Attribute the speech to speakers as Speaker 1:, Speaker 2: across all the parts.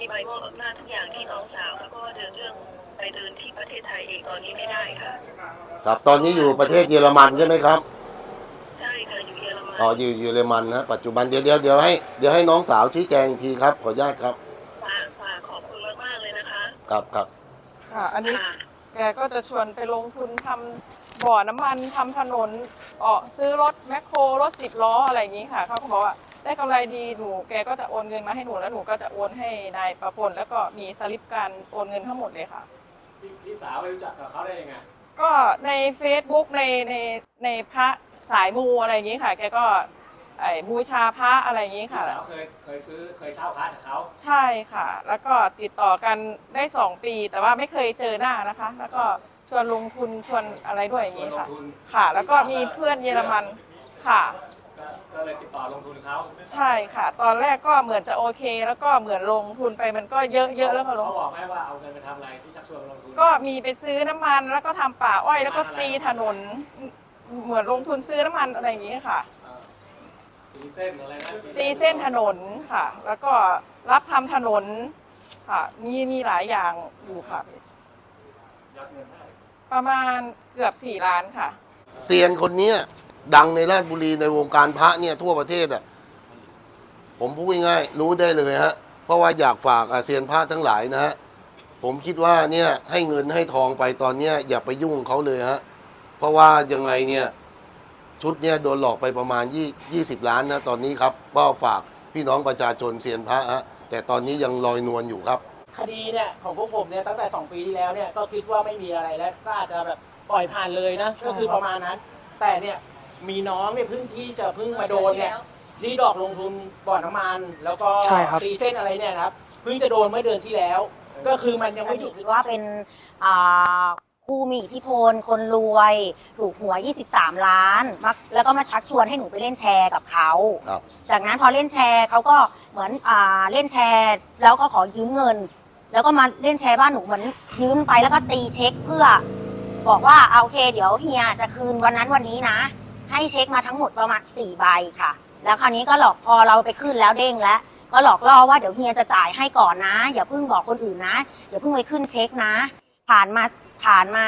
Speaker 1: ใบมอบอำนาจทุกอย่างที่น้องสาวแล้วก็เดินเรื่องไปเดินที่ประเทศไทยเองตอนนี้ไม่ได้ค่ะ
Speaker 2: ครับตอนนี้อยู่ประเทศเยอรมันใช่ไหมครับ
Speaker 1: ใช่ค่ะอยู่เยอรมัน
Speaker 2: อ๋ออยู่เยอรมันนะปัจจุบันเดี๋ยวให้น้องสาวชี้แจงอีกทีครับขออนุญาตครับ
Speaker 1: ค่ะขอบคุณมากๆเลยนะคะ
Speaker 2: ครับ
Speaker 3: ค่ะอันนี้
Speaker 1: ค่ะ
Speaker 3: แกก็จะชวนไปลงทุนทำบ่อน้ำมันทำถนนซื้อรถแมคโครรถ10 ล้ออะไรอย่างนี้ค่ะเขาก็บอกว่าได้กำไรดีแกก็จะโอนเงินมาให้หนูแล้วหนูก็จะโอนให้นายประพลแล้วก็มีสลิปการโอนเงินทั้งหมดเลยค่ะ
Speaker 4: พี่สาวไปรู้จักกับเขาได้ยังไง
Speaker 3: ก็ใน Facebook ในพระสายมูอะไรอย่างนี้ค่ะแกก็บูชาพระอะไรอย่างนี้ค่ะ
Speaker 4: พี่สาวเคยเช่าพระจากเขา
Speaker 3: ใช่ค่ะแล้วก็ติดต่อกันได้2 ปีแต่ว่าไม่เคยเจอหน้านะคะแล้วก็ชวนลงทุนชวนอะไรด้วยอย่างนี้ค่ะค่ะแล้วก็มีเพื่อนเยอรมันค่ะ
Speaker 4: ก็เลยติดต่อลงทุนเขา
Speaker 3: ใช่ค่ะตอนแรกก็เหมือนจะโอเคแล้วก็เหมือนลงทุนไปมันก็เยอะแล้วก็ลง
Speaker 4: เขาบอกไหมว่าเอาเงินไปทำอะไรที่ชักชวนลงทุน
Speaker 3: ก็มีไปซื้อน้ำมันแล้วก็ทำป่าอ้อยแล้วก็ตีถนนเหมือนลงทุนซื้อน้ำมันอะไรอย่างนี้ค่ะ
Speaker 4: ตีเส้นอะไรนะ
Speaker 3: ตีเส้นถนนค่ะแล้วก็รับทำถนนค่ะมีหลายอย่างอยู่ค่ะประมาณเกือบ4 ล้านค่ะ
Speaker 2: เซียนคนนี้ดังในราชบุรีในวงการพระเนี่ยทั่วประเทศอ่ะผมพูดง่ายๆรู้ได้เลยฮะเพราะว่าอยากฝากเซียนพระทั้งหลายนะฮะผมคิดว่าเนี่ยให้เงินให้ทองไปตอนเนี้ยอย่าไปยุ่งเขาเลยฮะเพราะว่ายังไงเนี่ยชุดเนี่ยโดนหลอกไปประมาณ20 ล้านนะตอนนี้ครับก็ฝากพี่น้องประชาชนเซียนพระฮะแต่ตอนนี้ยังลอยนวลอยู่ครับ
Speaker 5: คดีเนี่ยของพวกผมเนี่ยตั้งแต่2 ปีที่แล้วเนี่ยก็คิดว่าไม่มีอะไรแล้วก็อาจจะแบบปล่อยผ่านเลยนะก็คือประมาณนั้นแต่เนี่ยมีน้องเนี่ยเพิ่งมาโดนเนี่ยที่ดอกลงทุนบ่อน้ำมันแล้วก็ตีเส้นอะไรเนี่ยนะครับเพิ่งจะโดนเมื่อเดือนที่แล้วก็คือมันยังไม่หยุด
Speaker 6: ว่าเป็นผู้มีอิทธิพลคนรวยถูกหวย23 ล้านแล้วก็มาชักชวนให้หนูไปเล่นแชร์กับเขาจากนั้นพอเล่นแชร์เขาก็เหมือนเล่นแชร์แล้วก็ขอยืมเงินแล้วก็มาเล่นแชร์บ้านหนูเหมือนยืมไปแล้วก็ตีเช็คเพื่อบอกว่าโอเคเดี๋ยวเฮียจะคืนวันนั้นวันนี้นะให้เช็คมาทั้งหมดประมาณ4 ใบค่ะแล้วคราวนี้ก็หลอกพอเราไปขึ้นแล้วเด้งแล้วก็หลอกล่อว่าเดี๋ยวเฮียจะจ่ายให้ก่อนนะอย่าเพิ่งบอกคนอื่นนะอย่าเพิ่งไปขึ้นเช็คนะผ่านมา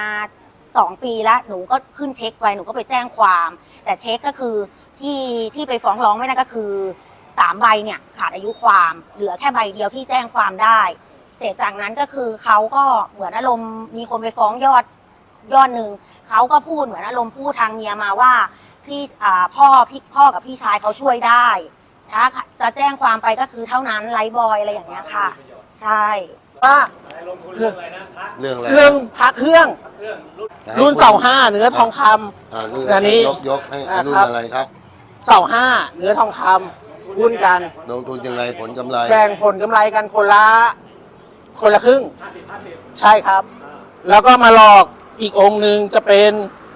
Speaker 6: 2 ปีแล้วหนูก็ขึ้นเช็คไปหนูก็ไปแจ้งความแต่เช็คก็คือที่ไปฟ้องร้องไม่ได้ก็คือ3 ใบเนี่ยขาดอายุความเหลือแค่ใบเดียวที่แจ้งความได้เสร็จจากนั้นก็คือเขาก็เหมือนอารมณ์มีคนไปฟ้องยอดหนึ่งเขาก็พูดเหมือนอารมณ์พูดทางเมียมาว่าพี่พ่อกับพี่ชายเขาช่วยได้ถ้าจะแจ้งความไปก็คือเท่านั้นไลฟ์บอยอะไรอย่างเงี้ยค่ะใช่
Speaker 5: ว่า
Speaker 4: ลงทุนเรื่องอะไรนะ
Speaker 2: เรื่องอะไร
Speaker 5: เครื่องรุ่นเสา5เนื้อทองคำ
Speaker 2: อันนี้ยกให้รุ่นอะไรครับ
Speaker 5: เสา5เนื้อทองคำหุ้นกัน
Speaker 2: ลงทุนยังไงผลกำไร
Speaker 5: แบ่งผลกำไรกันคนละครึ่งใช่ครับแล้วก็มาหลอกอีกองค์หนึ่งจะเป็น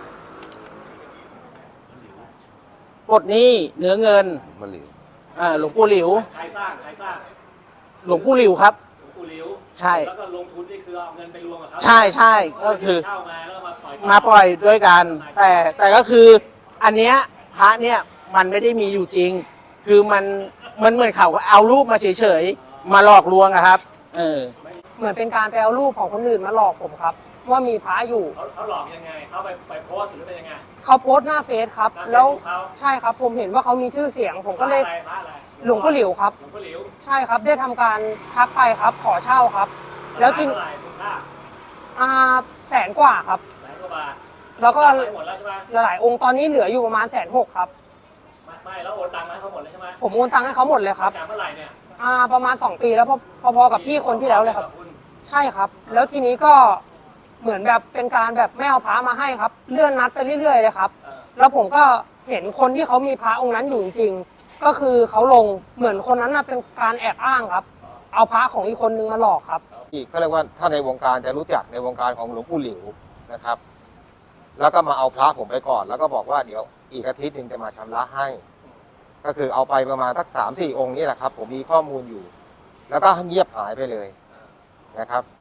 Speaker 5: ปลดหนี้เนื้อเงิน
Speaker 2: มะหลิว
Speaker 5: หลวงปู่หลิว
Speaker 4: ใครสร้าง
Speaker 5: หลวงปู่หลิวครับ
Speaker 4: หลวงปู่หลิว
Speaker 5: ใช่
Speaker 4: แล้วก็ลงทุนนี่คือเอาเงินไปรวมกับเขา
Speaker 5: ใช่ก็คือ
Speaker 4: เช่ามาแล้ว
Speaker 5: มาปล่อยด้วยกันแต่ก็คืออันเนี้ยพระเนี่ยมันไม่ได้มีอยู่จริงคือมันเหมือนเขาเอารูปมาเฉยๆมาหลอกลวงอะครับ
Speaker 3: เหมือนเป็นการไปเอารูปของคนอื่นมาหลอกผมครับว่ามีพระอยู่
Speaker 4: เขาหลอกยังไงเขาไปโพสหรือเป็นยังไง
Speaker 3: เขาโพสหน้าเฟซครับแล้วใช่ครับผมเห็นว่าเขามีชื่อเสียงผมก็เลยหลวงพ่อหลิวครับใช่ครับได้ทำการทักไปครับขอเช่าครับแล้วที100,000 กว่าครับแล้วก็หลายองค์ตอนนี้เหลืออยู่ประมาณ160,000ครับ
Speaker 4: ไม่แล้วโอนตังค์ให้เขาหมดเลยใช่ไหม
Speaker 3: ผมโอนตังค์ให้เขาหมดเลยครับ
Speaker 4: เมื่อไหร่เนี่ย
Speaker 3: ประมาณ2 ปีแล้วพอกับพี่คนที่แล้วเลยครับใช่ครับแล้วทีนี้ก็เหมือนแบบเป็นการแบบไม่เอาพระมาให้ครับเลื่อนนัดไปเรื่อยๆเลยครับแล้วผมก็เห็นคนที่เขามีพระองค์นั้นอยู่จริงๆก็คือเขาลงเหมือนคนนั้นเป็นการแอบอ้างครับเอาพระของอีกคนนึงมาหลอกครับ
Speaker 7: อีกเขาเรียกว่าถ้าในวงการจะรู้จักในวงการของหลวงปู่หลิวนะครับแล้วก็มาเอาพระผมไปก่อนแล้วก็บอกว่าเดี๋ยวอีกอาทิตย์นึงจะมาชำระให้ก็คือเอาไปประมาณสัก3-4 องค์นี่แหละครับผมมีข้อมูลอยู่แล้วก็เงียบหายไปเลยนะครับ